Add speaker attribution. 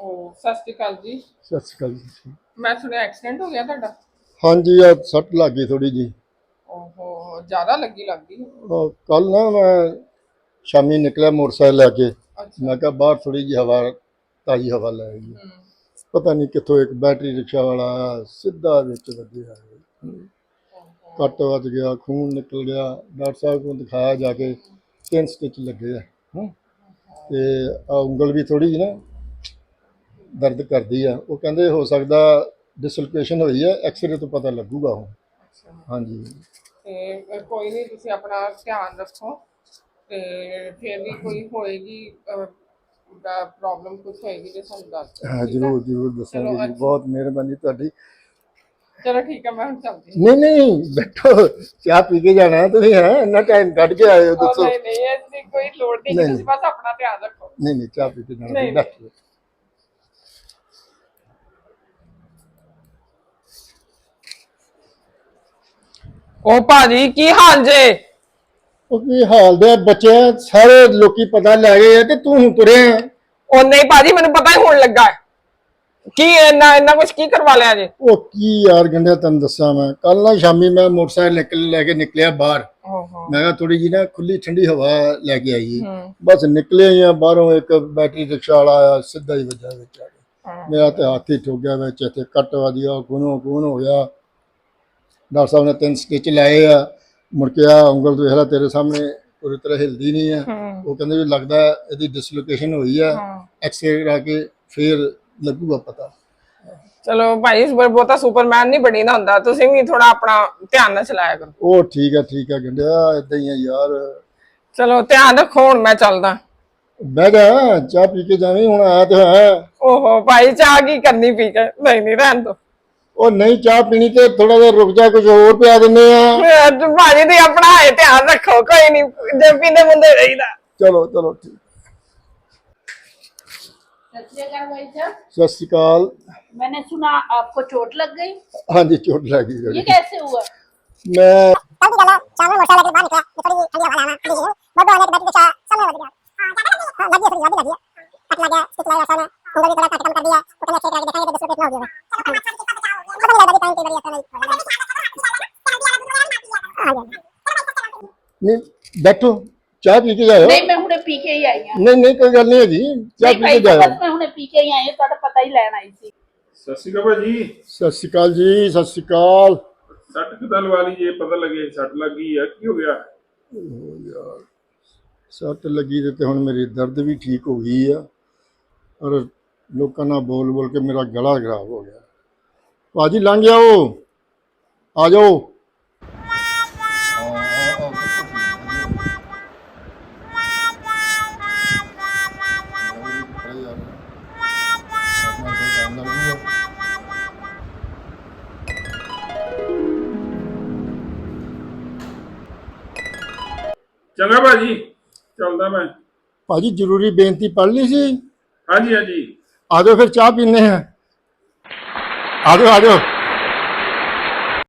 Speaker 1: सत श्री अकाल जी।
Speaker 2: सत श्री अकाल जी।
Speaker 1: मैं सुनिया एक्सीडेंट हो गया ਤੁਹਾਡਾ।
Speaker 2: हाँ जी आ सट लग गई थोड़ी जी।
Speaker 1: ओहो ज्यादा लगी
Speaker 2: कल ना मैं शामी निकला मोटरसाइकिल लैके।
Speaker 1: अच्छा।
Speaker 2: मैं कहा बाहर थोड़ी जी हवा ताज़ी हवा लैगी। पता नहीं कितों एक बैटरी रिक्शा वाला आया सीधा विच वजया, कट वज गया, खून निकल गया। डॉक्टर साहब को दिखाया जाके 3 स्टिच लगे हैं तो उंगल भी थोड़ी जी ना दर्द करती है। वो कहते हो सकता डिसलोकेशन हुई है, एक्सरे तो पता लगूगा वो। हाँ जी
Speaker 1: ਤੇ ਕੋਈ ਨਹੀਂ ਤੁਸੀਂ ਆਪਣਾ ਧਿਆਨ ਰੱਖੋ ਤੇ ਫਿਰ ਵੀ ਕੋਈ ਹੋਏਗੀ ਪ੍ਰੋਬਲਮ ਕੁਝ ਹੋਏਗੀ ਤੇ ਸਾਨੂੰ ਦੱਸ ਦਿਓ।
Speaker 2: हाँ जरूर जरूर दसांगे जी, बहुत मेहरबानी तुहाडी।
Speaker 1: चलो ठीक है मैं ਹੁਣ ਚੱਲਦੀ।
Speaker 2: नहीं नहीं बैठो, चाह पी के जाना है तुसीं। है इन्ना टाइम कट के आए हो दसो।
Speaker 1: नहीं नहीं ऐसी कोई लोड़ नहीं, ਤੁਸੀਂ ਬਸ ਆਪਣਾ ਧਿਆਨ ਰੱਖੋ।
Speaker 2: नहीं नहीं चाह पी के जाना, बैठो।
Speaker 1: ओ भाजी की हाल जे?
Speaker 2: की हाल दे बच्चे सारे लोकी पता लै गए ते तू हुण तुरे।
Speaker 1: ओ नहीं भाजी मैनू पता ही होने लगा है की इन्ना इन्ना कुछ की करवा लिया जे?
Speaker 2: ओ की यार गंढिया तैनूं दस्सां मैं कल ना शामी मैं मोटरसाइकिल लैके निकलिया बाहर। मैं कहा थोड़ी जी ना खुली ठंडी हवा लैके आईए। बस निकले ही बाहरों एक बैटरी रिक्शा वाला आया सीधा ही वजा विच आ गया। मेरा तो हाथ ही ठुक गया विच, इत्थे कट वज गया, खूनों खून हो गया। डॉक्टर साहब ने 3 स्टिच लाए आ। मुड़ के आ उंगल देख ला तेरे सामने पूरी तरह हिलदी नहीं है। वो कहते भी लगता है यदि डिसलोकेशन हुई है, एक्सरे करा के फिर लगूगा पता।
Speaker 1: चलो भाई बहुता सुपरमैन नहीं बनी ना हुंदा, तुसीं भी थोड़ा अपना ध्यान ना चलाया करो।
Speaker 2: ओ ठीक है गंढिया इदां ही है यार।
Speaker 1: चलो ध्यान रखो हुण मैं चलदा।
Speaker 2: बह जा चाह पी के जावीं, हुण आया तो है।
Speaker 1: ओहो भाई चाह की करनी पी के? नहीं नहीं रहन दो।
Speaker 2: ओ नहीं चाह पीनी तो थोड़ा देर रुक जा, कुछ और पिया दिन्ने आ।
Speaker 1: भाजी दी अपना है ध्यान रखो, कोई नहीं जे पींदे मुंदे रहीदा।
Speaker 2: चलो चलो ठीक। सत श्री अकाल।
Speaker 3: मैंने सुना आपको चोट लग गई।
Speaker 2: हाँ जी चोट लगी।
Speaker 3: ये कैसे हुआ?
Speaker 2: मैं नहीं बैठो चाह पी के जाओ।
Speaker 3: नहीं मैं हुणे पी के ही आई हूं।
Speaker 2: नहीं नहीं कोई गल नहीं है जी, चाह पी के जाओ।
Speaker 3: मैं हुणे पी के ही आई हूं, ਤੁਹਾਡਾ ਪਤਾ ਹੀ ਲੈਣ ਆਈ ਸੀ।
Speaker 4: सत श्री अकाल भाजी।
Speaker 2: सत श्री अकाल जी। सत श्री अकाल।
Speaker 4: सट किदा लवा ली जे, पता लगे सट लग गई है, की हो गया?
Speaker 2: यार सट लगी तो हुण मेरी दर्द भी ठीक हो गई है और लोगों ना बोल बोल के मेरा गला खराब हो गया। भाजी लंघ जाओ, आ जाओ।
Speaker 4: चंगा भाजी चलदा मैं।
Speaker 2: भाजी जरूरी बेनती पढ़ ली सी।
Speaker 4: हाँ जी हाँ जी।
Speaker 2: आ जाओ फिर चाह पीने हैं। आ जाओ आ जाओ।